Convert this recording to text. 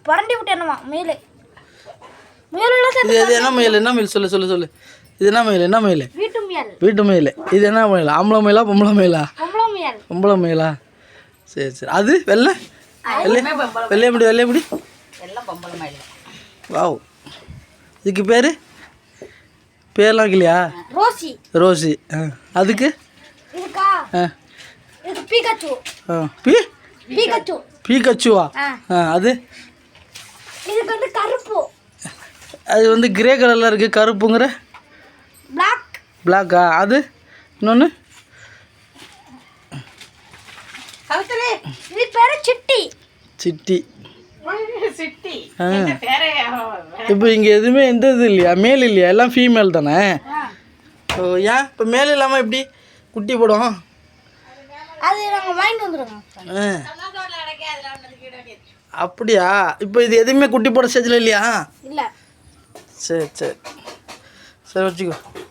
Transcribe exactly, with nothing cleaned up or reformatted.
பரண்டி விட்டு என்னமா மேலே இது இது என்ன மயில் என்ன மயில் சொல்லு சொல்லு சொல்லு இது என்ன மயில் என்ன மயில் வீட்டு முயல் வீட்டு மயில் இது என்ன மயில் ஆம்பளை மயிலா பொம்பளை மயிலா பொம்பளை முயல் பொம்பளை மயிலா சரி சரி அது வெள்ளை வெள்ளை வெள்ளைய முடி வெள்ளைய முடி எல்லாம் பொம்பளை மயில் வாவ் இதுக்கு பேர் பேர்லாம் இல்லையா ரோசி ரோசி ஆ அதுக்கு இதுக்கா ஆ இது பீகாச்சு ஆ பீ பீகாச்சு பீகச்சுவா ஆ ஆ அது இதுக்கு வந்து கருப்பு அது வந்து கிரே கலரில் இருக்குது கருப்புங்கிற பிளாக் பிளாக்கா அது இன்னொன்று கவித்தலே இது பேரு சிட்டி சிட்டி சிட்டி ஆ பேரே இப்போ இங்கே எதுவுமே எந்த இது இல்லையா மேல் இல்லையா எல்லாம் ஃபீமேல் தானே ஓ ஏன் இப்போ மேல் இல்லாமல் எப்படி குட்டி போடும் அது நாங்கள் வாங்கிட்டு வந்துடுவோம் ஆ அப்படியா இப்போ இது எதுவுமே குட்டி போட ஸ்டேஜில் இல்லையா இல்லை சரி சரி சரி வச்சுக்கோ